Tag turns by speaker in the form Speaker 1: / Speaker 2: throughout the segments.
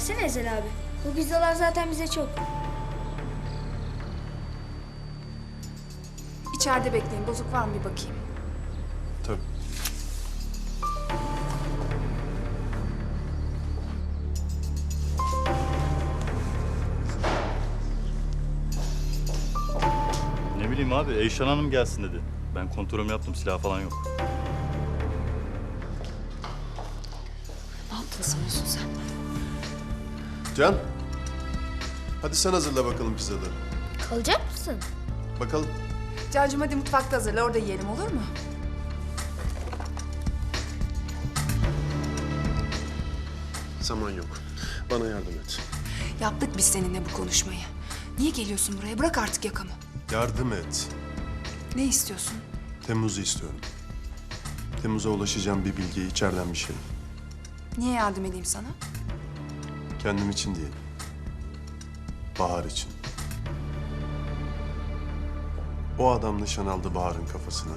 Speaker 1: Versene Ezel abi. Bu pizzalar zaten bize çok.
Speaker 2: İçeride bekleyin. Bozuk var mı bir bakayım.
Speaker 3: Tabii.
Speaker 4: Ne bileyim abi, Eyşan Hanım gelsin dedi. Ben kontrolümü yaptım, silah falan yok.
Speaker 2: Ne yaptın sanıyorsun sen?
Speaker 3: Can. Hadi sen hazırla bakalım pizzaları.
Speaker 1: Kalacak mısın?
Speaker 3: Bakalım.
Speaker 2: Cancığım hadi mutfakta hazırla. Orada yiyelim olur mu?
Speaker 3: Zaman yok. Bana yardım et.
Speaker 2: Yaptık biz seninle bu konuşmayı. Niye geliyorsun buraya? Bırak artık yakamı.
Speaker 3: Yardım et.
Speaker 2: Ne istiyorsun?
Speaker 3: Temmuz'u istiyorum. Temmuz'a ulaşacağım bir bilgiyi içeriden bir şey.
Speaker 2: Niye yardım edeyim sana?
Speaker 3: Kendim için değil. Bahar için. O adam nişan aldı Bahar'ın kafasına.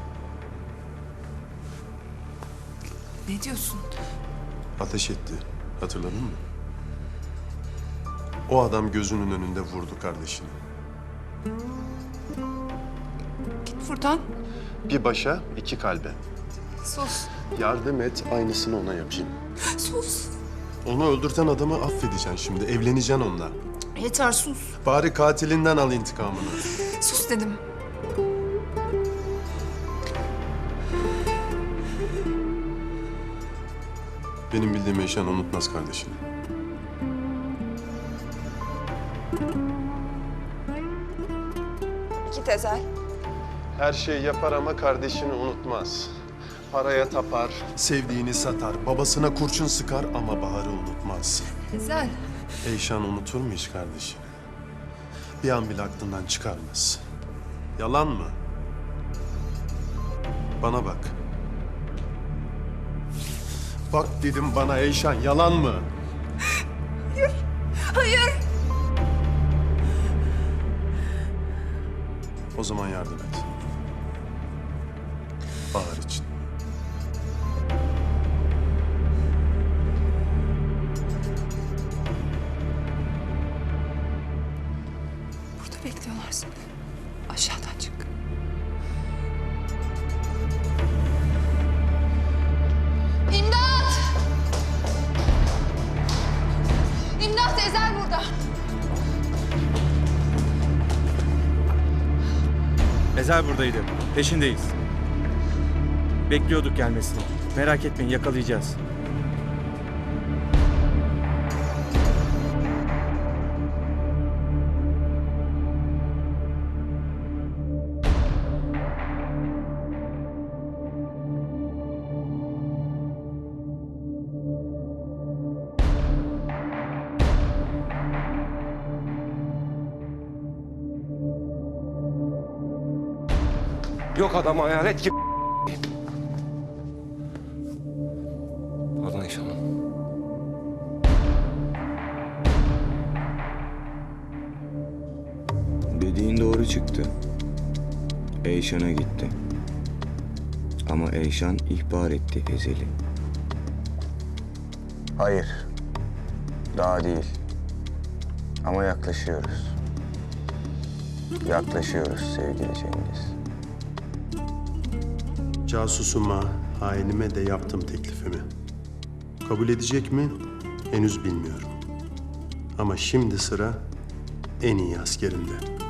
Speaker 2: Ne diyorsun?
Speaker 3: Ateş etti. Hatırladın mı? O adam gözünün önünde vurdu kardeşini.
Speaker 2: Git Furtan.
Speaker 3: Bir başa, iki kalbe.
Speaker 2: Sus.
Speaker 3: Yardım et, aynısını ona yapayım.
Speaker 2: Sus.
Speaker 3: Onu öldürten adamı affedeceksin şimdi. Evleneceksin onunla.
Speaker 2: Yeter sus.
Speaker 3: Bari katilinden al intikamını.
Speaker 2: Sus dedim.
Speaker 3: Benim bildiğim Eyşan unutmaz kardeşini.
Speaker 2: Git Ezel.
Speaker 3: Her şeyi yapar ama kardeşini unutmaz. Paraya tapar, sevdiğini satar, babasına kurşun sıkar ama Bahar'ı unutmaz.
Speaker 2: Ezel.
Speaker 3: Eyşan unutur mu hiç kardeşini? Bir an bile aklından çıkarmaz. Yalan mı? Bana bak. Bak dedim bana Eyşan, yalan mı?
Speaker 2: Hayır.
Speaker 3: O zaman yardım et. Bahar için.
Speaker 2: Burada bekliyorlar seni. Aşağıdan çık. İmdat! İmdat! Ezel burada.
Speaker 5: Ezel buradaydı. Peşindeyiz. Bekliyorduk gelmesini. Merak etmeyin, yakalayacağız.
Speaker 6: Yok adam hayalet gibi. Pardon Eyşan Hanım.
Speaker 7: Dediğin doğru çıktı. Eyşan'a gitti. Ama Eyşan ihbar etti Ezel'i.
Speaker 8: Hayır. Daha değil. Ama yaklaşıyoruz. Yaklaşıyoruz sevgili Cengiz.
Speaker 3: Casusuma, hainime de yaptım teklifimi. Kabul edecek mi? Henüz bilmiyorum. Ama şimdi sıra en iyi askerimde.